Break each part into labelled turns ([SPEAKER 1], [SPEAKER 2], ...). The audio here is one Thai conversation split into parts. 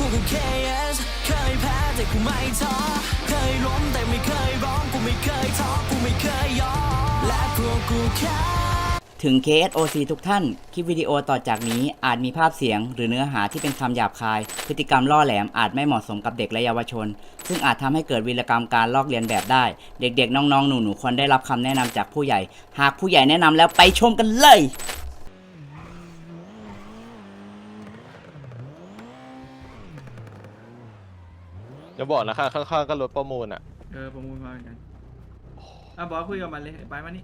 [SPEAKER 1] กูคือ KS เคยแพ้แต่กูไม่ท้อเคยล้มแต่ไม่เคยร้องกูไม่เคยท้อกูไม่เคยยอมและพวกกูแค่
[SPEAKER 2] ถึง KSOC ทุกท่าน คลิปวิดีโอต่อจากนี้อาจมีภาพเสียงหรือเนื้อหาที่เป็นคำหยาบคาย พฤติกรรมล่อแหลมอาจไม่เหมาะสมกับเด็กและเยาวชน ซึ่งอาจทำให้เกิดวีรกรรมการลอกเลียนแบบได้ เด็กๆ น้องๆ หนูๆ ควรได้รับคำแนะนำจากผู้ใหญ่ หากผู้ใหญ่แนะนำแล้วไปชมกันเลย
[SPEAKER 3] อย่าบอกนะคะข้างๆก็รถประมูลอ่ะ
[SPEAKER 4] ประมูลมาเหมือนกันบอสคุยกับมันเลยไปมานี่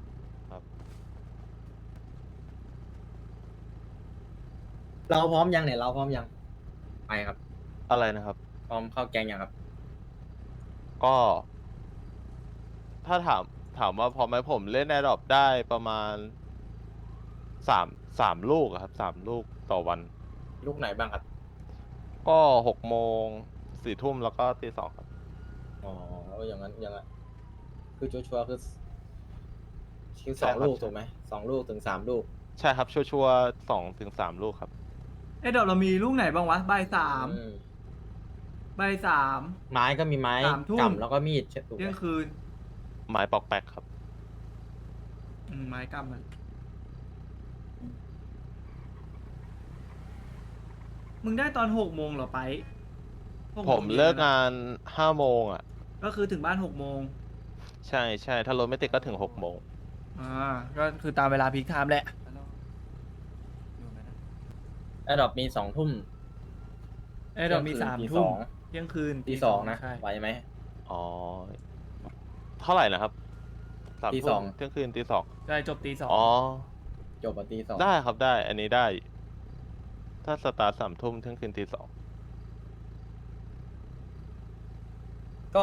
[SPEAKER 5] เราพร้อมยังเนี่ยเราพร้อมยังไปครับ
[SPEAKER 3] อะไรนะครับ
[SPEAKER 5] พร้อมเข้าแกงยังครับ
[SPEAKER 3] ก็ ถ้าถามว่าพอไหมผมเล่นแอร์ดรอปได้ประมาณสามลูกอะครับ3 ลูกต่อวัน
[SPEAKER 5] ลูกไหนบ้างครับ
[SPEAKER 3] ก็6 โมง 4 ทุ่มแล้วก็ตี 2ครับ
[SPEAKER 5] อ๋ออย่างนั้นอย่างนั้นคือชัวร์ๆคือ
[SPEAKER 3] ใช่ครับ
[SPEAKER 5] 2 ลูกถูกไหม2 ลูกถึง 3 ลูก
[SPEAKER 3] ใช่ครับชัวร์ๆ2 ถึง 3 ลูกครับ
[SPEAKER 4] เดี๋ยวเรามีลูกไหนบ้างวะใบสาม
[SPEAKER 5] อืม
[SPEAKER 4] ใบสาม
[SPEAKER 5] ไม้ก็มีไม้
[SPEAKER 4] 3 ทุ่ม
[SPEAKER 5] กำแล้วก็มีดใช่ถูกไห
[SPEAKER 4] เที่
[SPEAKER 5] ม
[SPEAKER 4] ยงคืน
[SPEAKER 3] ไม้ปอกแป๊กครับ
[SPEAKER 4] ไม้กำมันมึงได้ตอน6 โมงเหรอไป6
[SPEAKER 3] ผมเลิกงาน5 โมงอ่ะ
[SPEAKER 4] ก็คือถึงบ้าน6 โมง
[SPEAKER 3] ใช่ถ้ารถไม่ติดก็ถึง6 โมง
[SPEAKER 4] ก็คือตามเวลาพีคไทม์แหละ
[SPEAKER 5] แอดดอปมี2 ทุ่ม
[SPEAKER 4] เรามี
[SPEAKER 5] เที่ยงคืน
[SPEAKER 4] 3
[SPEAKER 5] ตี
[SPEAKER 4] ทุ่ม
[SPEAKER 5] 2
[SPEAKER 4] เที่ยงคืน
[SPEAKER 5] ตี 2นะ
[SPEAKER 4] ใช่
[SPEAKER 5] ไหวไหม
[SPEAKER 3] อ๋อ เท่าไหร่นะครับ3
[SPEAKER 5] ตี
[SPEAKER 3] ทุ่ม
[SPEAKER 5] 2
[SPEAKER 3] เที่ยงคืนตี 2
[SPEAKER 4] ใช่จบตี 2
[SPEAKER 3] อ๋อ
[SPEAKER 5] จบตี 2
[SPEAKER 3] ได้ครับได้ อันนี้ได้ ถ้าสตาร์ท3 ทุ่มเที่ยงคืนตี 2
[SPEAKER 5] ก็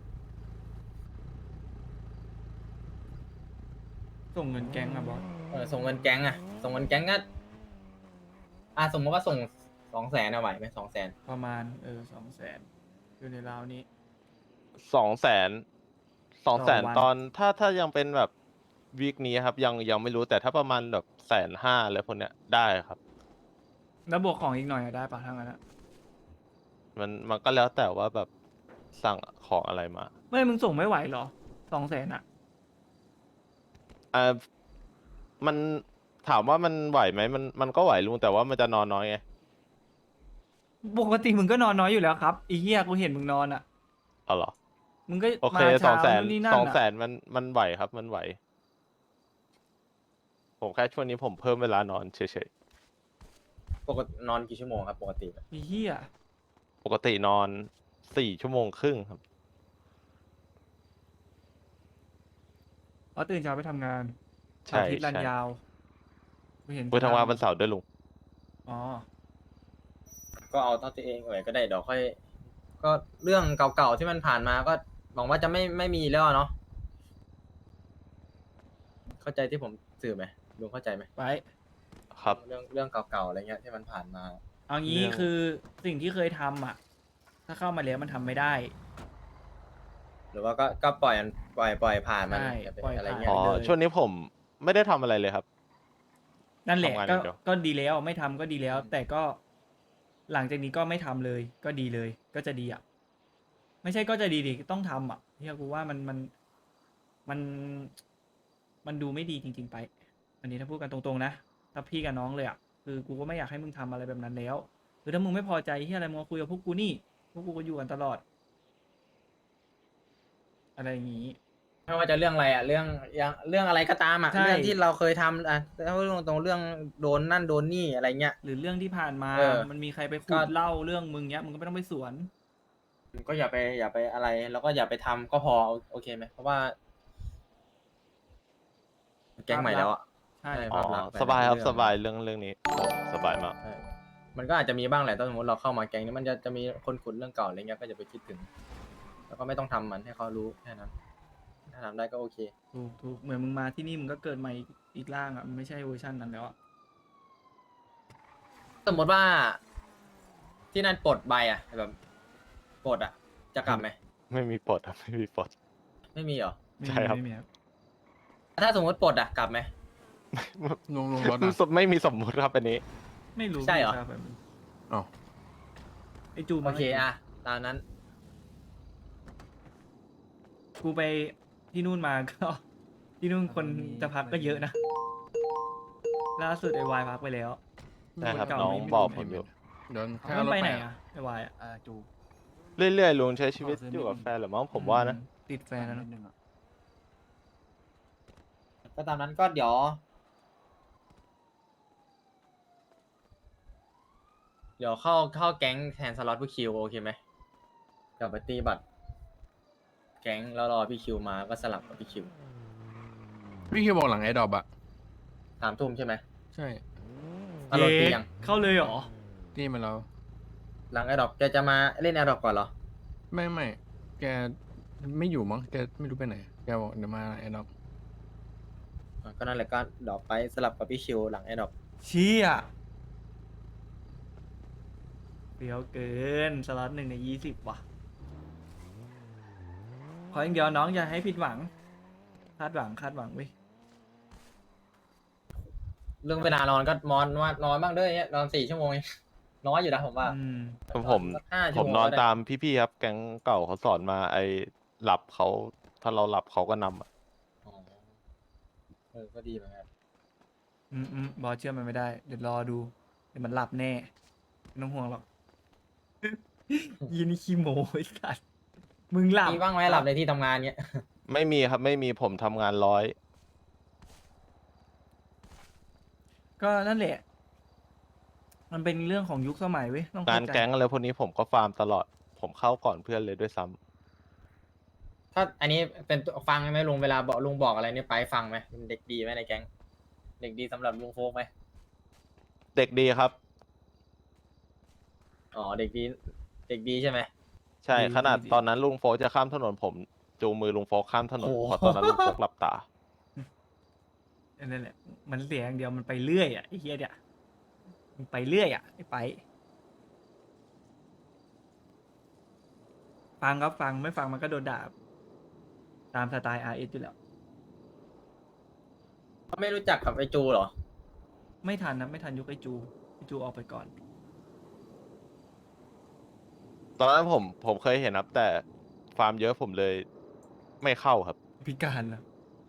[SPEAKER 4] ส่งเงินแก๊งอะบอส
[SPEAKER 5] ส่งเงินแก๊งอะส่งเงินแก๊งก็สมมติว่าส่ง200,000อะไหวไหม200,000
[SPEAKER 4] ประมาณ200,000อยู่ในราวนี้
[SPEAKER 3] 200,000 200,000
[SPEAKER 4] วัน
[SPEAKER 3] ตอนถ้ายังเป็นแบบวีคนี้ครับยังไม่รู้แต่ถ้าประมาณแบบ150,000อะไรพวกเนี้ยได้ครับ
[SPEAKER 4] แล้วบวกของอีกหน่อยอะได้ปะทั้งนั้นอะ
[SPEAKER 3] มันก็แล้วแต่ว่าแบบสั่งของอะไรมา
[SPEAKER 4] ไม่มึงส่งไม่ไหวเหรอ200,000อะ
[SPEAKER 3] อ่ามันถามว่ามันไหวไหมมันก็ไหวลุงแต่ว่ามันจะนอนน้อยไง
[SPEAKER 4] ปกติมึงก็นอนน้อยอยู่แล้วครับไอีเหี้ยกูเห็นมึงนอนอะ
[SPEAKER 3] เอาเหรอ
[SPEAKER 4] มึงก็
[SPEAKER 3] โอเค
[SPEAKER 4] มา
[SPEAKER 3] สอ
[SPEAKER 4] เช้าง
[SPEAKER 3] แสน
[SPEAKER 4] นู่นนี่นั่น
[SPEAKER 3] สองแส
[SPEAKER 4] อะ
[SPEAKER 3] นมันไหวครับมันไหว ผมแค่ช่วงนี้ผมเพิ่มเวลานอนเฉย
[SPEAKER 5] ปกตินอนกี่ชั่วโมงครับปกติ
[SPEAKER 4] ไอ้เหี้ย
[SPEAKER 3] ๆ ปกตินอน4 ชั่วโมงครึ่งครับ
[SPEAKER 4] เพราะตื่นเช้าไปทำงาน
[SPEAKER 3] ใช่
[SPEAKER 4] อาทิตย์รัน
[SPEAKER 3] ใช่
[SPEAKER 4] ยาวกูเห็น
[SPEAKER 3] ไปทำงานวันเสาร์ด้วยลุง
[SPEAKER 4] อ๋อ
[SPEAKER 5] ก็เอาเท่าที่เองไหวก็ได้เดี๋ยวค่อย ก็เรื่องเก่าๆที่มันผ่านมาก็หวังว่าจะไม่มีแล้วเนาะเข้าใจที่ผมสื่อไหมลุงเข้าใจไหม
[SPEAKER 4] ไป
[SPEAKER 3] ครับ
[SPEAKER 5] เรื่องเก่าๆอะไรเงี้ยที่มันผ่านมา
[SPEAKER 4] เอางี้
[SPEAKER 3] เรื่อง
[SPEAKER 4] คือสิ่งที่เคยทำอะถ้าเข้ามาแล้วมันทำไม่ได้
[SPEAKER 5] หรือว่าก็ปล่อยผ่านมัน
[SPEAKER 4] ใช่
[SPEAKER 5] อย่าไป
[SPEAKER 4] ปล่อย
[SPEAKER 5] อะไร
[SPEAKER 4] ผ่าน
[SPEAKER 5] เงี้ย
[SPEAKER 3] อ๋อ
[SPEAKER 4] เลย
[SPEAKER 3] ช่วงนี้ผมไม่ได้ทำอะไรเลยครับ
[SPEAKER 4] นั่นแหละ
[SPEAKER 3] ทำงานอ
[SPEAKER 4] ก็
[SPEAKER 3] ย่างเดียว
[SPEAKER 4] ก็ดีแล้วไม่ทำก็ดีแล้ว แต่ก็หลังจากนี้ก็ไม่ทำเลย ก็ดีเลย ก็จะดีอ่ะ ไม่ใช่ก็จะดีดิต้องทำอ่ะเฮียกูว่ามันมันดูไม่ดีจริง ๆ ไป อันนี้ถ้าพูดกันตรงๆนะถ้าพี่กับน้องเลยอ่ะคือกูก็ไม่อยากให้มึงทำอะไรแบบนั้นแล้วคือถ้ามึงไม่พอใจเฮียอะไรมึงมาคุยกับพวกกูนี่พวกกูก็อยู่กันตลอด อะไรอย่างนี้
[SPEAKER 5] ไม่ว่าจะเรื่องอะไรอ่ะเรื่องอะไรก็ตามอ่ะ
[SPEAKER 4] ใช่
[SPEAKER 5] เรื่องที่เราเคยทำแล้วเรื่องตรงเรื่องโดนนั่นโดนนี่อะไรเงี้ย
[SPEAKER 4] หรือเรื่องที่ผ่านมา มันมีใครไป
[SPEAKER 5] ก็
[SPEAKER 4] ขุดเล่าเรื่องมึงเนี้ยมึงก็ไม่ต้องไปสวน
[SPEAKER 5] ก็อย่าไปอะไรแล้วก็อย่าไปทำก็พอโอเคไหมเพราะว่าแก๊งใหม่แล้วอ่ะ
[SPEAKER 4] ใช่
[SPEAKER 5] ใช่
[SPEAKER 3] อ๋อ
[SPEAKER 5] ภาพลักษณ์
[SPEAKER 3] สบายครับ
[SPEAKER 5] เรื่อง
[SPEAKER 3] สบายเรื่องนี้สบายมาก
[SPEAKER 5] ใช่มันก็อาจจะมีบ้างแหละถ้าสมมติเราเข้ามาแก๊งนี้มันจะมีคนขุดเรื่องเก่าอะไรเงี้ยก็อย่าไปคิดถึง แล้วก็ไม่ต้องทำมันให้เขารู้แค่นั้นถ้าทำได้ก็โอเค
[SPEAKER 4] ถูกเหมือนมึงมาที่นี่มึงก็เกิดใหม่อีกร่างอ่ะมันไม่ใช่เวอร์ชันนั้นแล้วอ่ะ
[SPEAKER 5] สมมติว่าที่นั่นปลดใบอ่ะแบบปลดอ่ะจะกลับไหม
[SPEAKER 3] ไม่มีปลดครับไม่มีปลด
[SPEAKER 5] ไม่มีเหรอ
[SPEAKER 4] ไม่
[SPEAKER 3] ใช่
[SPEAKER 4] มี
[SPEAKER 3] ครับ
[SPEAKER 4] ไม่มีครับ
[SPEAKER 5] ถ้าสมมติปลดอ่ะกลับไหม
[SPEAKER 6] ลงรถอ่ะ
[SPEAKER 3] ไม่มีสมมุติครับอันนี้
[SPEAKER 4] ไม่รู้
[SPEAKER 5] ใช่เหรอ
[SPEAKER 4] ครับแบบ
[SPEAKER 6] อ้าว
[SPEAKER 4] ไอจู
[SPEAKER 5] โอ
[SPEAKER 4] มา
[SPEAKER 5] เคอะตามนั้น
[SPEAKER 4] กูไปที่นู่นมาก็ ที่นู่นคนจะพักก็เยอะนะล่าสุดไอวายพักไปแล้ว
[SPEAKER 3] ใช่ครับ
[SPEAKER 4] เก่า
[SPEAKER 3] น้อง
[SPEAKER 4] ไม่มี
[SPEAKER 3] บอกผมอยู่
[SPEAKER 6] เดิน
[SPEAKER 4] เอา
[SPEAKER 6] แค่
[SPEAKER 4] มัน
[SPEAKER 6] รถ
[SPEAKER 4] ไปไหน
[SPEAKER 6] อะ
[SPEAKER 4] อ่ะไอวายอ่ะ
[SPEAKER 6] จู
[SPEAKER 3] เรื่อยๆลุงใช้ชีวิตอยู่กับแฟนหรือมั้งผมว่านะ
[SPEAKER 4] ติดแฟนแล้วนะ
[SPEAKER 5] ก็ตามนั้นก็เดี๋ยวเข้าแก๊งแทนสล็อตพี่คิวโอเคไหมกลับไปตีบัตร แก๊งแล้วรอพี่คิวมาก็สลับกับพี่คิว
[SPEAKER 6] พี่คิวบอกหลังไอ้ดอบอะ
[SPEAKER 5] 3 ทุ่มใช่ไหม
[SPEAKER 6] ใช่
[SPEAKER 5] อารมณ์ตียัง
[SPEAKER 4] เข้าเลยเหรอ
[SPEAKER 6] ที่มันเรา
[SPEAKER 5] หลังแอดดอปแกจะมาเล่นแอดดอปก่อนเหรอ
[SPEAKER 6] ไม่แกไม่อยู่มั้งแกไม่รู้ไปไหนแกบอกเดี๋ยวมาไอ้ดอบ
[SPEAKER 5] ก็นั่นแหละก็ดอปไปสลับกับพี่คิวหลังแอดดอป
[SPEAKER 4] เชี่ยเดี๋ยวเกินสล็อต1 ใน 20ว่ะ ขออย่างเดียวน้องอย่าให้ผิดหวัง คาดหวังเว้ย
[SPEAKER 5] เรื่องเวลานอนก็นอนบ้างเด้อเนี่ยนอน4 ชั่วโมงเองน้อยอยู่นะผมว่า
[SPEAKER 4] อืม
[SPEAKER 3] ผม
[SPEAKER 5] สัก5
[SPEAKER 3] ผ
[SPEAKER 5] ชั่ว
[SPEAKER 3] ม
[SPEAKER 5] โง
[SPEAKER 3] นอน
[SPEAKER 5] ก็ได้
[SPEAKER 3] ตามพี่ๆครับ แก๊งเก่าเขาสอนมาไอ้หลับเขาถ้าเราหลับเขาก็นำอะ
[SPEAKER 5] อ๋อก็ดีเหมือนกัน
[SPEAKER 4] บอสเชื่อมันไม่ได้ เดี๋ยวรอดู เดี๋ยวมันหลับแน่ ไม่ต้องห่วงหรอก ยีนี่ขี้โม้ไอ้สัสมึงหลับ
[SPEAKER 5] มีบ้างไหมหลับในที่ทำงานเนี้ย
[SPEAKER 3] ไม่มีครับไม่มีผมทำงานร้อย
[SPEAKER 4] ก็นั่นแหละ มันเป็นเรื่องของยุคสมัยเว้ยต้อง
[SPEAKER 3] งาน
[SPEAKER 4] เข้าใจ
[SPEAKER 3] แก๊งอะไรพวกนี้ผมก็ฟาร์มตลอด ผมเข้าก่อนเพื่อนเลยด้วยซ้ำ
[SPEAKER 5] ถ้าอันนี้เป็นฟังไหมลุงเวลาบอกลุงบอกอะไรเนี่ยไปฟังไหมเป็นเด็กดีไหมในแก๊งเด็กดีสำหรับลุงโฟกไหม
[SPEAKER 3] เด็กดีครับ
[SPEAKER 5] อ๋อเด็กดีใช่ไหม
[SPEAKER 3] ใช่ขนาดตอนนั้นลุงโฟกจะข้ามถนนผมจูงมือลุงโฟกข้ามถนน
[SPEAKER 5] โอ้โห
[SPEAKER 3] เพราะตอนนั้นลุงโฟกหลับตา
[SPEAKER 4] นั่นแหละ มันเสียอย่างเดียวมันไปเรื่อยอ่ะไอ้เฮียเนี่ยมันไปเรื่อยอ่ะไอ้ไป ฟังครับฟังไม่ฟังมันก็โดนด่า ตามสไตล์ RS อยู่แล้ว
[SPEAKER 5] ไม่รู้จักกับไอจูเหรอ
[SPEAKER 4] ไม่ทันนะไม่ทันยุคไอจูออกไปก่อน
[SPEAKER 3] ตอนนั้นผมเคยเห็นครับ แต่ฟาร์มเยอะผมเลยไม่เข้าครับ
[SPEAKER 4] พิการนะ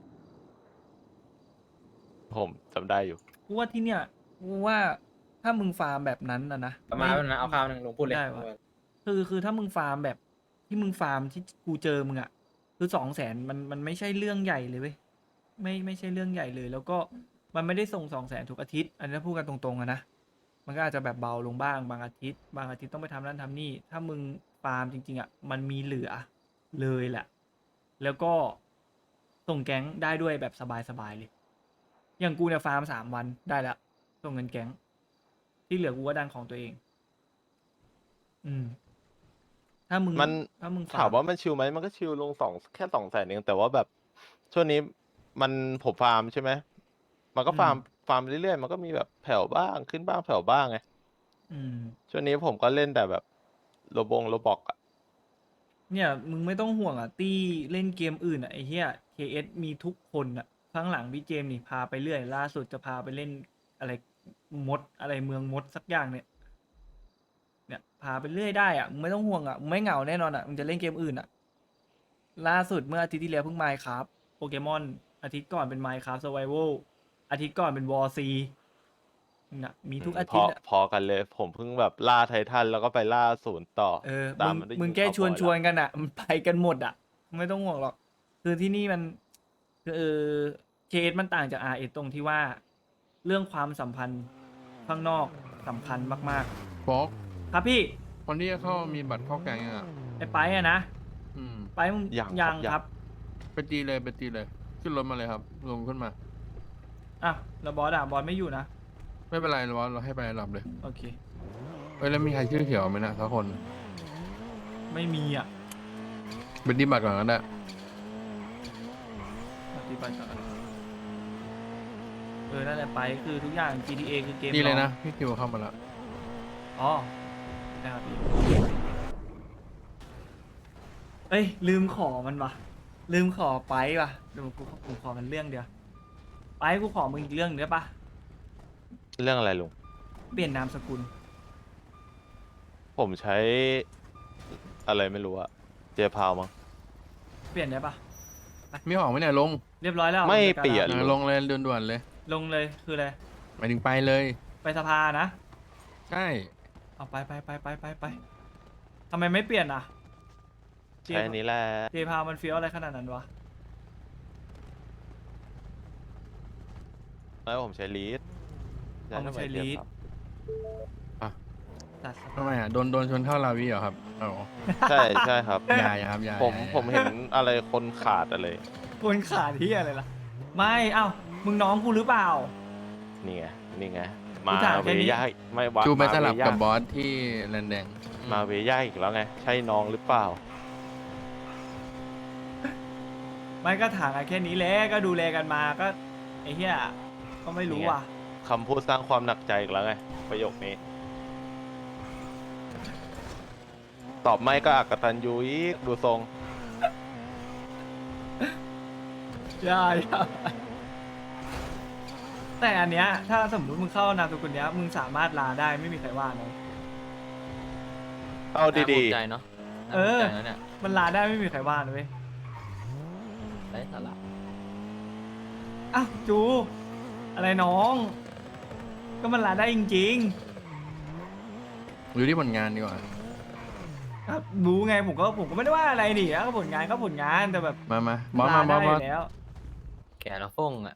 [SPEAKER 3] ผมจำได้อยู่
[SPEAKER 4] กูว่าที่เนี่ยกูว่าถ้ามึงฟาร์มแบบนั้นนะ
[SPEAKER 5] ประมาณนั้นนะเอาข้าวหนึ่งลุงพูดเลย
[SPEAKER 4] ได้วะ คือถ้ามึงฟาร์มแบบที่มึงฟาร์มที่กูเจอมึงอ่ะคือ200,000มันไม่ใช่เรื่องใหญ่เลยเว้ยไม่ใช่เรื่องใหญ่เลย แล้วก็มันไม่ได้ส่ง200,000ทุกอาทิตย์ อันนี้พูดกันตรงๆอะนะมันก็อาจจะแบบเบาลงบ้างบางอาทิตย์ต้องไปทำนั่นทำนี่ถ้ามึงฟาร์มจริงๆอ่ะมันมีเหลือเลยแหละ แล้วก็ส่งแก๊งได้ด้วยแบบสบายๆเลย อย่างกูเนี่ยฟาร์ม3 วันได้แล้วส่งเงินแก๊งที่เหลือกูก็ดันของตัวเอง ถ้ามึง
[SPEAKER 3] มัน
[SPEAKER 4] ถ้ามึงฟ
[SPEAKER 3] ถามว่ามันชิลไหมมันก็ชิลลงแค่200,000เองแต่ว่าแบบช่วงนี้มันผมฟาร์มใช่ไหมมันก็ฟาร์มเรื่อยๆมันก็มีแบบแผ่วบ้างขึ้นบ้างแผ่วบ้างไง
[SPEAKER 4] อืม
[SPEAKER 3] ช่วงนี้ผมก็เล่นแต่แบบโรบอกอะ
[SPEAKER 4] เนี่ยมึงไม่ต้องห่วงอ่ะตี้เล่นเกมอื่นอ่ะไอ้เหี้ย KS มีทุกคนอ่ะข้างหลังพี่เจมส์นี่พาไปเรื่อยล่าสุดจะพาไปเล่นอะไรมดอะไรเมืองมดสักอย่างเนี่ยพาไปเรื่อยได้อ่ะมึงไม่ต้องห่วงอ่ะมึงไม่เหงาแน่นอนอ่ะมึงจะเล่นเกมอื่นอ่ะ ล่าสุดเมื่ออาทิตย์ที่แล้วเพิ่งไมค์ครับโปเกมอนอาทิตย์ก่อนเป็นไมค์ครับสไวโวอาทิตย์ก่อนเป็นวอร์ซีน่ะมีทุกอาทิตย์อะ
[SPEAKER 3] พอกันเลย ผมเพิ่งแบบล่าไททันแล้วก็ไปล่าศูนย์ต่อ ตาม
[SPEAKER 4] มึงแค่ชวนกันอ่ะ มันไปกันหมดอ่ะ ไม่ต้องห่วงหรอก คือที่นี่มันคือเคสมันต่างจาก RS ตรงที่ว่า เรื่องความสัมพันธ์ข้างนอกสำคัญมาก
[SPEAKER 6] โฟก
[SPEAKER 4] ๆ ครับพี่
[SPEAKER 6] คนที่จะเข้ามีบัตรเข้าแกงยังอ่ะ
[SPEAKER 4] ไอ้ไปอะนะ
[SPEAKER 6] อืม
[SPEAKER 4] ไปมึง
[SPEAKER 3] ยัง
[SPEAKER 4] ยัง
[SPEAKER 3] ยัง
[SPEAKER 4] ครับ
[SPEAKER 6] ไปตีเลยขึ้นรถมาเลยครับลงขึ้นมา
[SPEAKER 4] อ่ะแล้วบอสไม่อยู่นะ
[SPEAKER 6] ไม่เป็นไรเราให้ไปหลับเลย
[SPEAKER 4] โอเค
[SPEAKER 6] เอ้ยแล้วมีใครชื่อเขียวไหมนะสักคน
[SPEAKER 4] ไม่มีอ่ะ
[SPEAKER 6] เป็นดีบัตรก่อนก็ได้
[SPEAKER 4] ปฏิบัติต่อนั่นแหละไปคือทุกอย่าง GTA คือเกม
[SPEAKER 6] ดีเลย
[SPEAKER 4] ร้
[SPEAKER 6] นะ
[SPEAKER 4] อง
[SPEAKER 6] พี่คิวเข้ามาแล้ว
[SPEAKER 4] อ๋อนะครับพี่เอ้ยลืมขอมันวะลืมขอไปวะเดี๋ยวกูขอมันเรื่องเดียวไปกูขอมึงอีกเรื่องหนึ่งได้ปะ
[SPEAKER 3] เรื่องอะไรลุง
[SPEAKER 4] เปลี่ยนนามสกุล
[SPEAKER 3] ผมใช้อะไรไม่รู้อะเจพาวมั้ง
[SPEAKER 4] เปลี่ยนได้ปะ
[SPEAKER 6] มีของไหมเนี่ยลง
[SPEAKER 4] เรียบร้อยแล้ว
[SPEAKER 3] ไม่
[SPEAKER 4] จัดการ
[SPEAKER 3] เปลี่ยน
[SPEAKER 4] แล้ว
[SPEAKER 6] ลงเลยด่วนๆเลย
[SPEAKER 4] ลงเลยคืออะไร
[SPEAKER 6] หมายถึงไปเลย
[SPEAKER 4] ไปสภานะ
[SPEAKER 6] ใช่
[SPEAKER 4] เอาไปทำไมไม่เปลี่ยนอ่ะ
[SPEAKER 3] ใช้อันนี้แหละ
[SPEAKER 4] เจพามันเฟี้ยวอะไรขนาดนั้นวะ
[SPEAKER 3] แล้วผมใช้ลีด
[SPEAKER 4] เอามาใช้ลีด จัดส
[SPEAKER 6] ทำ
[SPEAKER 4] ภา
[SPEAKER 6] ไมอ่ะโดนชนเข้าลาวีเหรอครับอ๋อ
[SPEAKER 3] ใช่ใช่ครับ
[SPEAKER 6] อย่าครับอย่า
[SPEAKER 3] ผม
[SPEAKER 6] อย่า
[SPEAKER 3] ผมเห็นอะไรคนขาดอะไร
[SPEAKER 4] คนขาดที่อะไรล่ะ ไม่เอ้ามึงน้องกูหรือเปล่า
[SPEAKER 3] นี่ไงนี่ไง
[SPEAKER 4] กู
[SPEAKER 3] มา
[SPEAKER 4] ถาม
[SPEAKER 3] เว
[SPEAKER 4] แค่นี้
[SPEAKER 3] ย่าไม่วะ
[SPEAKER 6] จูไปสลับ
[SPEAKER 3] มาเวย่า
[SPEAKER 6] กับบอสที่แลนแดง
[SPEAKER 3] มาเวย่าอีกแล้วไง ใช่น้องหรือเปล่า
[SPEAKER 4] ไม่ก็ถามกันแค่นี้แหละก็ดูแลกันมาก็ไอ้เหี้ยก็ไม่รู้ว่ะ
[SPEAKER 3] คำพูดสร้างความหนักใจอีกแล้วไง ประโยคนี้ ตอบไม่ก็อักตันยูอีกดูทรง
[SPEAKER 4] อย่าแต่อันเนี้ยถ้าสมมติมึงเข้านามสกุลเนี้ยมึงสามารถลาได้ไม่มีใครว่านะ
[SPEAKER 3] เอาดี
[SPEAKER 7] น่าภูมิใจเนาะ
[SPEAKER 4] เออ
[SPEAKER 7] น่าภูมิใจนะเนี่ย
[SPEAKER 4] มันลาได้ไม่มีใครว่านะเว้ย
[SPEAKER 7] ได้สาระ
[SPEAKER 4] อ้าวจู อะไรน้อง ก็มันลาได้จริง
[SPEAKER 6] อยู่ที่ผลงานดีกว่า
[SPEAKER 4] ๆครับรู้ไงผมก็ไม่ได้ว่าอะไรนี่ก็ผลงานก็ผลงานแต่แบบ
[SPEAKER 6] มาบอสมาบ
[SPEAKER 4] ลา
[SPEAKER 6] อส
[SPEAKER 4] ได้
[SPEAKER 6] บอ
[SPEAKER 4] อ
[SPEAKER 6] ส
[SPEAKER 4] ยู่แล้ว
[SPEAKER 7] แกแล้วฟงอ่ะ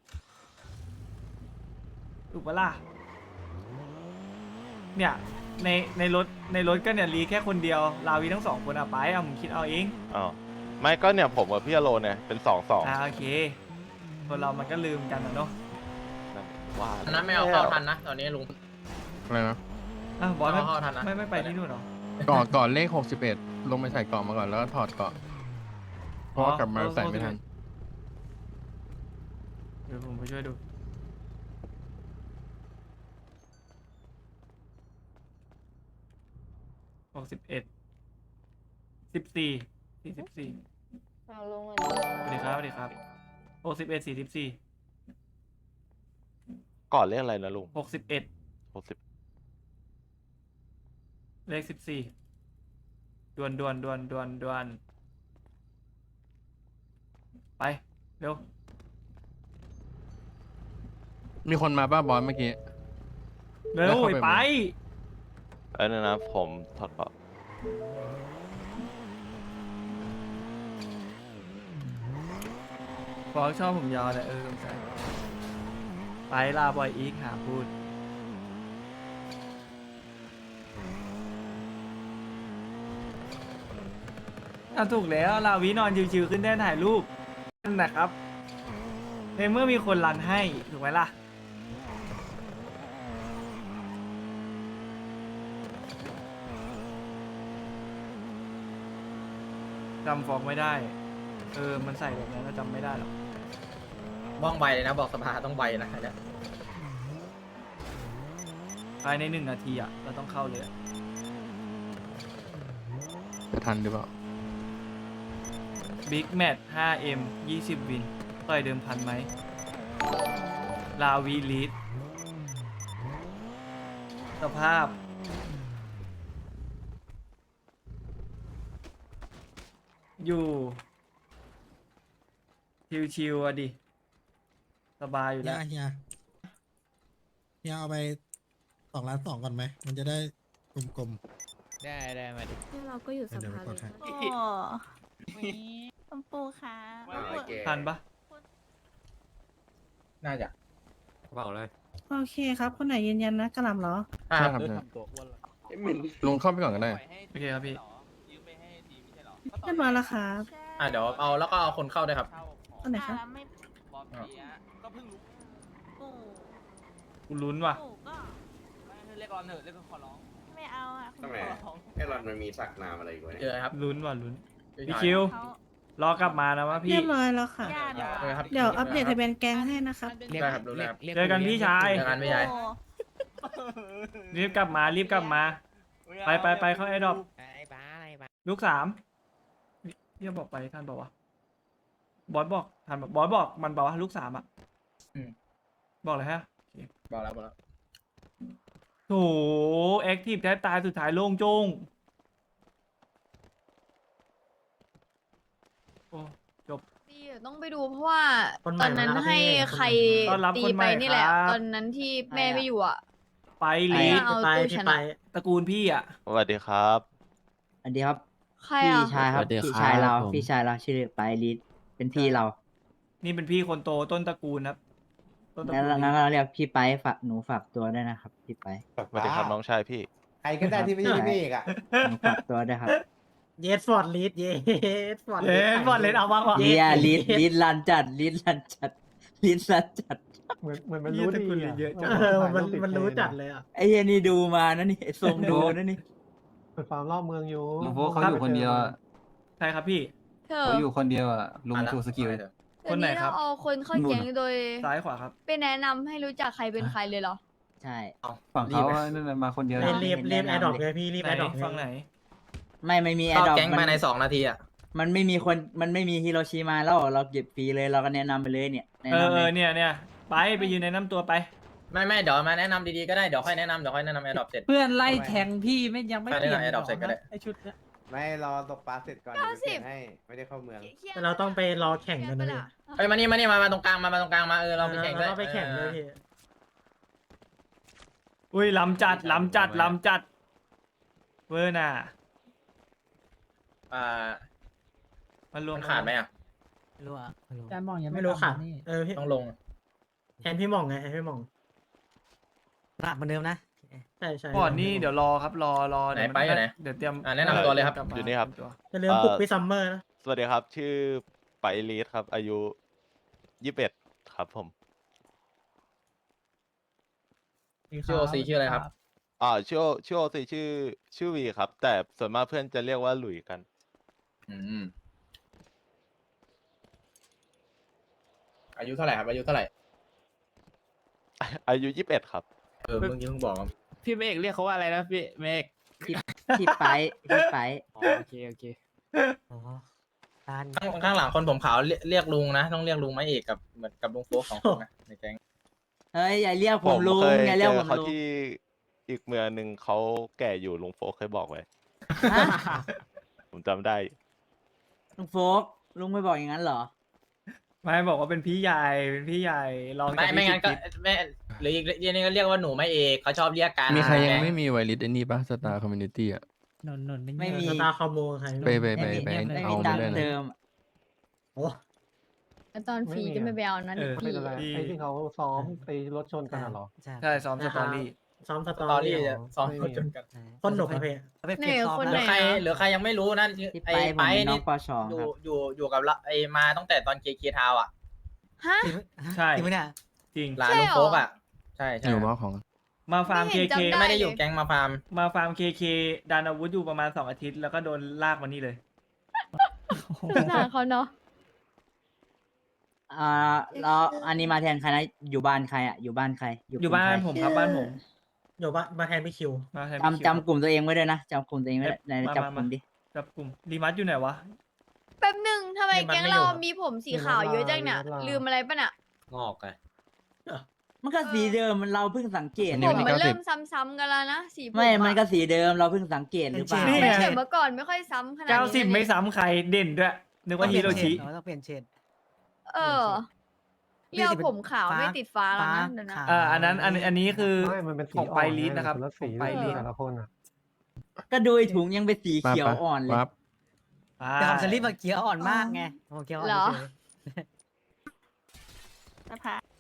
[SPEAKER 4] ถูกปะล่ะเนี่ยในรถก็เนี่ยรีแค่คนเดียวลาวีทั้งสองคนอะไปเอามึงคิดเอาเอง
[SPEAKER 3] ๆอ้าวไม่ก็เนี่ยผมกับพี่อโลเนี่ยเป็น2-2
[SPEAKER 4] โอเคคนเรามันก็ลืมกันนะเนาะ
[SPEAKER 3] นั่นว่า
[SPEAKER 5] อันนั้นไม่เอาเข้าทันนะตอนนี้ลุง
[SPEAKER 6] อะไรนะ
[SPEAKER 4] อ่ะบอส
[SPEAKER 5] เอาเข้าทันนะ
[SPEAKER 4] ไม่ไปที่นู่นเหรอ
[SPEAKER 6] ก่อนเลข61ลงไปใส่เกาะมาก่อนแล้วก็ถอดเกาะเพราะว่ากลับมาใส่ไม่ทัน
[SPEAKER 4] เดี๋ยวผมไปช่วยดู61 14 44
[SPEAKER 8] เอาลงเลย
[SPEAKER 4] สวัสดีครับสวัสดีครับ61 44
[SPEAKER 3] ก่อนเรื่องอะไรนะลุง
[SPEAKER 4] 61
[SPEAKER 3] 60
[SPEAKER 4] เลข14ดวนไปเร็ว
[SPEAKER 6] มีคนมาป้าบอสเมื่อกี้
[SPEAKER 4] เร็ว
[SPEAKER 6] แล้วเข้าไป
[SPEAKER 4] ไป
[SPEAKER 3] ไอ้นั่นนะผมถอดเกาะ
[SPEAKER 4] ฟอกชอบผมยาวเลยสงสัยไปลาบอยอีกหาพูดถูกแล้วลาวินอนชิวๆขึ้นได้ถ่ายรูปนั่นนะครับในเมื่อมีคนรันให้ถูกไหมล่ะจำฟอกไม่ได้ มันใส่แบบนั้นแล้วจำไม่ได้หรอก
[SPEAKER 5] บ้องใบเลยนะบอกสภาต้องใบนะอันเนี่ย
[SPEAKER 4] ภายใน1 นาทีอ่ะ เราต้องเข้าเลยอะ
[SPEAKER 6] จะทันหรือเปล่า
[SPEAKER 4] บิ๊กแมท 5M 20 วิน ต่อยเดิมพันไหม ลาวีลีด สภาพ อยู่ ชิวๆอ่ะดิ สบายอยู่
[SPEAKER 9] เฮี
[SPEAKER 4] แล้
[SPEAKER 9] ยว เฮียเอาไป2,2,000,000ก่อนไหม มันจะได้กลม
[SPEAKER 7] ได้มาดิ
[SPEAKER 8] เราก็อยู่ส
[SPEAKER 9] เดี๋ยว
[SPEAKER 8] ภา
[SPEAKER 9] ไปกดให้
[SPEAKER 8] โอ้คุณปู่คะ
[SPEAKER 4] ทันปะ
[SPEAKER 5] น่าจะ
[SPEAKER 7] เปล่าเลย
[SPEAKER 8] โอเคครับ คนไหนยืนยันนะกระหล่ำเหรอ
[SPEAKER 5] อ่า
[SPEAKER 6] ใช่ครับใช่ลงเข้าไปก่อนก็ได้
[SPEAKER 4] โอเคครับพี่
[SPEAKER 8] เรียบร้อยแล้วครับ
[SPEAKER 5] เดี๋ยวเอาแล้วก็เอาคนเข้าด้วยครับ
[SPEAKER 8] คนไหนครับ
[SPEAKER 5] อ่า
[SPEAKER 4] กูลุ้นว่ะ
[SPEAKER 8] ไม่เอาอ่ะ
[SPEAKER 10] ทำไมไอ้รอนมันมีสักนามอะไรอีกวะ
[SPEAKER 5] เจ
[SPEAKER 10] เนี่ย
[SPEAKER 5] อครับ
[SPEAKER 4] ลุ้นว่ะลุ้น
[SPEAKER 5] พี่
[SPEAKER 4] พี่
[SPEAKER 5] ชาย
[SPEAKER 4] คิว
[SPEAKER 8] เขา
[SPEAKER 4] รอกลับมานะวะพี่
[SPEAKER 8] เรียบร้อยแล้วค่ะ
[SPEAKER 5] เออครับ
[SPEAKER 8] เดี๋ยวอัปเดตทะเบียนแก๊งให้นะครับ
[SPEAKER 5] ได้ครับรู้แล้วครับ
[SPEAKER 4] เจอกันพี่ชาย
[SPEAKER 5] เจอกันพี่ชาย
[SPEAKER 8] โอ้
[SPEAKER 4] รีบกลับมา ไปเข้าไอ้ดอกลูก3พี่บอกไปท่านบอกว่าบอสบอกท่านบอกบอสบอกมันบอกว่าลูก3อ่ะ
[SPEAKER 5] อืม
[SPEAKER 4] บอกเลยฮะ
[SPEAKER 5] บอกแล้ว
[SPEAKER 4] โถแอคทีฟแทบตายสุดท้ายโล่งโจ้งโอ้จบ
[SPEAKER 8] พี่ต้องไปดูเพราะว่า
[SPEAKER 4] คนใหม่
[SPEAKER 8] ตอนนั้น
[SPEAKER 4] มาแล้ว
[SPEAKER 8] ให้
[SPEAKER 4] พี่
[SPEAKER 8] ใคร
[SPEAKER 4] ต้อนรับ
[SPEAKER 8] ตี
[SPEAKER 4] คนให
[SPEAKER 8] ไป
[SPEAKER 4] ม่
[SPEAKER 8] นี่แหละ
[SPEAKER 4] ครับ
[SPEAKER 8] ตอนนั้นที่แม่ไม่อยู่อ่ะ
[SPEAKER 4] ไป
[SPEAKER 8] ไม่
[SPEAKER 4] ลี
[SPEAKER 8] เอาตู้ชนะ
[SPEAKER 4] ตระกูลพี่อ่ะ
[SPEAKER 3] สวัสดีครับ
[SPEAKER 2] อันนี้ครับ
[SPEAKER 8] ใคร
[SPEAKER 2] พี่
[SPEAKER 8] อ่ะ
[SPEAKER 2] ชายครับ
[SPEAKER 7] สวัสดี
[SPEAKER 2] พี่
[SPEAKER 7] ครับ
[SPEAKER 2] ชายเรา
[SPEAKER 7] ผม
[SPEAKER 2] พี่ชายเราชื่อไปลิสเป็นพี่เรา
[SPEAKER 4] นี่เป็นพี่คนโตต้นตระกูลครับต้นตระ
[SPEAKER 2] งั้น
[SPEAKER 4] กูล
[SPEAKER 2] งั้นเราเรียกพี่ไปฝากหนูฝากตัวด้วยนะครับ พี่ไป
[SPEAKER 3] สวัสดีครับน้องชายพี่
[SPEAKER 10] ใครก็ได้ที่ไม่ใช่พี่เอกอะ
[SPEAKER 2] หนูฝากตัวด้วยครับ
[SPEAKER 11] เยสฟอร์ดลีดเยสฟอร์ด
[SPEAKER 4] เอ๊ะบอลเลนเอาบ้างวะ
[SPEAKER 2] เฮียลิสลันจัดลิสลันจัดลิสลันจัด
[SPEAKER 11] เหมือนมัน
[SPEAKER 4] เหี้ย
[SPEAKER 11] รู้
[SPEAKER 4] ตระ
[SPEAKER 11] ดี
[SPEAKER 4] กูลลี
[SPEAKER 11] อ่ะ
[SPEAKER 4] เยอะจัง
[SPEAKER 11] มันรู้จัดเลยอ่ะ
[SPEAKER 2] ไอ้เฮียนี่ดูมานะนี่ทรงดูนะนี่
[SPEAKER 11] เป็นฟาร์มรอบเมืองอยู่
[SPEAKER 6] ลุงโฟกเขาอยู่คนเดียวอะ
[SPEAKER 4] ใช่ครับพี่
[SPEAKER 8] เธอ
[SPEAKER 6] เขาอยู่คนเดียวอ่ะลุง
[SPEAKER 5] มาละ
[SPEAKER 6] ชูสกิล
[SPEAKER 5] มาเถอะ
[SPEAKER 4] คนไหนครับ
[SPEAKER 8] เดี๋ยวเราเอาคนเข้าแก๊งโดย
[SPEAKER 4] ซ้ายขวาครับ
[SPEAKER 8] ไปแนะนำให้รู้จักใครเป็นใครเลยเหรอ
[SPEAKER 2] ใช่
[SPEAKER 6] ฝั่งเขานั่นน่ะมาคนเดียว
[SPEAKER 2] รีบ
[SPEAKER 11] รีบแอดดอกเลยพี่รีบ
[SPEAKER 4] ไหน
[SPEAKER 11] แอดดอก
[SPEAKER 4] ฟังไหน
[SPEAKER 2] ไม่มีแอ
[SPEAKER 5] เข้า
[SPEAKER 2] ดดอป
[SPEAKER 5] แก๊งภายใน2 นาทีอ่ะ
[SPEAKER 2] มันไม่มีคนมันไม่มีฮิโรชิมาแล้วเราเก็บฟรีเลยเราก็แนะนำไปเลยเนี่ยแนะ
[SPEAKER 4] เอน
[SPEAKER 2] ำเลย
[SPEAKER 4] เนี่ยไปยืนในน้ำตัวไป
[SPEAKER 5] ไม่เดี๋ยวมาแนะนำดีๆก็ได้เดี๋ยวค่อยแนะนำแอร์ดรอปเสร็จ
[SPEAKER 7] เพื่อนไล่แทงพี่ไม่ยังไม่
[SPEAKER 5] ไป
[SPEAKER 7] เปลี่ยน
[SPEAKER 5] ได้ไง Adopt เสร็จก็ได้
[SPEAKER 7] ไอชุดเนี้ย
[SPEAKER 10] ไม่รอตกปลาเสร็จก่อนเดี๋ยวไปเปลี่ยนให้ไม่ได้เข้าเมือง
[SPEAKER 11] แต่เราต้องไปรอแข่งกันนะเลย
[SPEAKER 5] เอ้ยมานี่มาตรงกลางมาตรงกลางมาเราไปแข่งด้วย
[SPEAKER 11] เราไปแข่งเลยพี่
[SPEAKER 4] อุ้ยลำจัดเวอร์น่ะ
[SPEAKER 5] อ่า
[SPEAKER 4] มันรวม
[SPEAKER 5] มันขาดไหมอ่ะ
[SPEAKER 7] ไม่รู้อ่ะ
[SPEAKER 11] จานมองยังไม่รู้ค่ะพี่
[SPEAKER 5] ต้องลง
[SPEAKER 11] แทนพี่หม่องไงแทนพี่หม่อง
[SPEAKER 7] หนักเหมือนเดิมนะ
[SPEAKER 11] ใช่
[SPEAKER 4] ก่อนนี่เดี๋ยวรอครับรอ
[SPEAKER 5] ไหน
[SPEAKER 4] เดี๋ยว
[SPEAKER 5] ไปอยู่ไหน
[SPEAKER 4] เดี๋ยวเตรียม
[SPEAKER 5] แนะนำตัวเลยครับ
[SPEAKER 4] กมา
[SPEAKER 3] อยู่นี่ครับ
[SPEAKER 4] ตัว
[SPEAKER 11] จะลืมปลุกพี่ซัมเมอร์นะ
[SPEAKER 3] สวัสดีครับ ชื่อไปลีดครับ อายุ21ครับผม
[SPEAKER 5] ชื่อโอซีชื่ออะไรครับ
[SPEAKER 3] ชื่อโอซีชื่อวีครับ แต่ส่วนมากเพื่อนจะเรียกว่าหลุยกัน
[SPEAKER 5] อืมอายุเท่าไหร่ครับอายุเท่าไหร่
[SPEAKER 3] อายุ21ครับ
[SPEAKER 5] เมื่อกี้เพิ่งบอกครับ
[SPEAKER 7] พี่เมฆเรียกเขาว่าอะไรนะพี่เมฆ
[SPEAKER 2] พี่ไปพี่ไป
[SPEAKER 7] โอเคอ๋อตาน
[SPEAKER 5] ข้างหลังคนผมขาวเรียกลุงนะต้องเรียกลุงไม้เอกกับเหมือนกับลุงโฟก2 คนนะในแก๊ง
[SPEAKER 2] เฮ้ยอย่าเรียกผมลุง
[SPEAKER 3] เคย
[SPEAKER 2] อย่า
[SPEAKER 3] เจ
[SPEAKER 2] เรียก
[SPEAKER 3] อ
[SPEAKER 2] ผม
[SPEAKER 3] เขา
[SPEAKER 2] ลุง
[SPEAKER 3] ที่อีกเมืองหนึ่งเขาแก่อยู่ลุงโฟกเคยบอกไว้
[SPEAKER 2] ฮะ
[SPEAKER 3] ผมจำได้
[SPEAKER 2] ลุงโฟกลุงไม่บอกอย่างนั้นเหรอ
[SPEAKER 4] ไม่บอกว่าเป็นพี่ใหญ่ลองจาก
[SPEAKER 5] ไม่งั้นก็
[SPEAKER 4] พี่
[SPEAKER 5] ไม่หรืออีกเรียนนึงก็เรียกว่าหนูไม้เอกเขาชอบเรียกกัน
[SPEAKER 6] มีใครยัง
[SPEAKER 5] แก๊
[SPEAKER 6] ไม่มีไวลิสไอ้นี่ปะสตาร์คอมมูนิตี้อ่ะ
[SPEAKER 7] นน
[SPEAKER 2] ไม่มี
[SPEAKER 11] สตาร์คอมโบใคร
[SPEAKER 6] ไป
[SPEAKER 2] ไม่มีไม่
[SPEAKER 6] เอา
[SPEAKER 2] มีตั
[SPEAKER 6] มาง ได้
[SPEAKER 2] ค์
[SPEAKER 6] นะ
[SPEAKER 2] เติม
[SPEAKER 11] โอ้
[SPEAKER 8] แล้วตอนฟรีก็ไม่ไปเอานั้น
[SPEAKER 4] เออ
[SPEAKER 8] พี่
[SPEAKER 4] พี่
[SPEAKER 11] ไอ้ที่เขาซ้อมตีรถชนกันเหรอ
[SPEAKER 4] ใช่ซ้อมสตอรี่
[SPEAKER 11] ซ้อมส
[SPEAKER 5] ส
[SPEAKER 11] ต
[SPEAKER 5] ต
[SPEAKER 11] อ
[SPEAKER 5] อ
[SPEAKER 11] รี่
[SPEAKER 5] รี่จะซ้อมคนจนกัน
[SPEAKER 11] คนหนุกนะพี่
[SPEAKER 8] ไหนคน
[SPEAKER 5] ห
[SPEAKER 8] ไห
[SPEAKER 5] รื
[SPEAKER 8] น
[SPEAKER 5] อใคร
[SPEAKER 8] อะ
[SPEAKER 5] หรือใครยังไม่รู้นะ
[SPEAKER 2] พี่
[SPEAKER 5] ไอ้
[SPEAKER 2] ไปผม
[SPEAKER 5] ไป
[SPEAKER 2] เป็นน้อ
[SPEAKER 5] นี่
[SPEAKER 2] งปสอง
[SPEAKER 5] อ
[SPEAKER 2] ค
[SPEAKER 5] ยู่
[SPEAKER 2] รับ
[SPEAKER 5] อยู่กับเราไอ้มาตั้งแต่ตอนเคทาวอ่ะ
[SPEAKER 8] ฮะ
[SPEAKER 4] ใช่
[SPEAKER 7] จริงไหมเนี่ย
[SPEAKER 4] จริง
[SPEAKER 5] ร้านลุงโฟกอ่ะใช่
[SPEAKER 6] อยู่มอของ
[SPEAKER 4] มาฟาร์ม
[SPEAKER 8] ไม่
[SPEAKER 4] เค
[SPEAKER 8] เห็น
[SPEAKER 4] เค
[SPEAKER 8] จำ
[SPEAKER 5] ไม่ได้อยู่แก๊งมาฟาร์ม
[SPEAKER 4] มาฟาร์มเคดันอาวุธอยู่ประมาณ2 อาทิตย์แล้วก็โดนลากมานี่เลย
[SPEAKER 8] สงสารเขาเนาะ
[SPEAKER 2] แล้วอันนี้มาแทนใครนะอยู่บ้านใครอ่ะอยู่บ้านใคร
[SPEAKER 4] อยู่บ้าน
[SPEAKER 2] ใคร
[SPEAKER 4] ผมครับบ้านผม
[SPEAKER 11] อยู่บ้านมาแทนพี่คิว
[SPEAKER 4] มาแทน
[SPEAKER 2] จำกลุ่มตัวเองไว้ด้วยนะจำกลุ่มตัวเองไว้ด้วยไหนจำกลุ่มดิ
[SPEAKER 4] จับกลุ่มรีมัสอยู่ไหนวะ
[SPEAKER 8] แป๊บหนึ่งทำไม
[SPEAKER 11] นี่มัน
[SPEAKER 8] แก๊ง
[SPEAKER 11] ไม่
[SPEAKER 8] เรา
[SPEAKER 11] อยู่
[SPEAKER 8] มีผมสีขาวเยอะจังเนี่ย
[SPEAKER 11] ไม่เป็นไร
[SPEAKER 8] ลืมอะไรปะเนี่ย
[SPEAKER 5] งอกไง
[SPEAKER 2] มันก็สีเดิมมันเราเพิ่งสังเกต
[SPEAKER 6] อัน
[SPEAKER 8] ผ
[SPEAKER 6] นี้
[SPEAKER 8] ม
[SPEAKER 6] วันที่
[SPEAKER 8] มัน
[SPEAKER 6] 90
[SPEAKER 8] เริ่มซ้ำๆกันแล้วนะสีผม
[SPEAKER 2] ไม่
[SPEAKER 8] อะ
[SPEAKER 2] มันก็สีเดิมเราเพิ่งสังเกตหรือเปล่า
[SPEAKER 4] นี่
[SPEAKER 8] ไม่
[SPEAKER 4] ไง
[SPEAKER 8] ใช่เมื่อก่อนไม่ค่อยซ้ำขนาดนี้
[SPEAKER 4] 90 ไม่ซ้ำใครเด่นด้วย นึกว่าฮิโรชิ
[SPEAKER 7] ต้องเปลี่ยนเฉด
[SPEAKER 8] เออเรียกผมขาวไม่ติดฟ้าแล้วนะเดี๋ยวนะ
[SPEAKER 4] อันนั้นอันนี้คือ
[SPEAKER 11] ไม่มันเป็นสี
[SPEAKER 4] ของไป
[SPEAKER 11] อ่อน
[SPEAKER 4] ลีด
[SPEAKER 11] ไง
[SPEAKER 4] นะครับ
[SPEAKER 11] คนละสี
[SPEAKER 4] ของไปลีด
[SPEAKER 11] แต่ละคนอ่ะ
[SPEAKER 2] ก็ดูไอ้ถุงยังเป็นสีเขียวอ่อนเลย
[SPEAKER 6] ปั๊บ
[SPEAKER 7] แต่ของสลิปอะเกียร์อ่อนมากไงโอ้เกียร์อ่อน
[SPEAKER 8] เหรอ
[SPEAKER 7] เฉย
[SPEAKER 8] สภา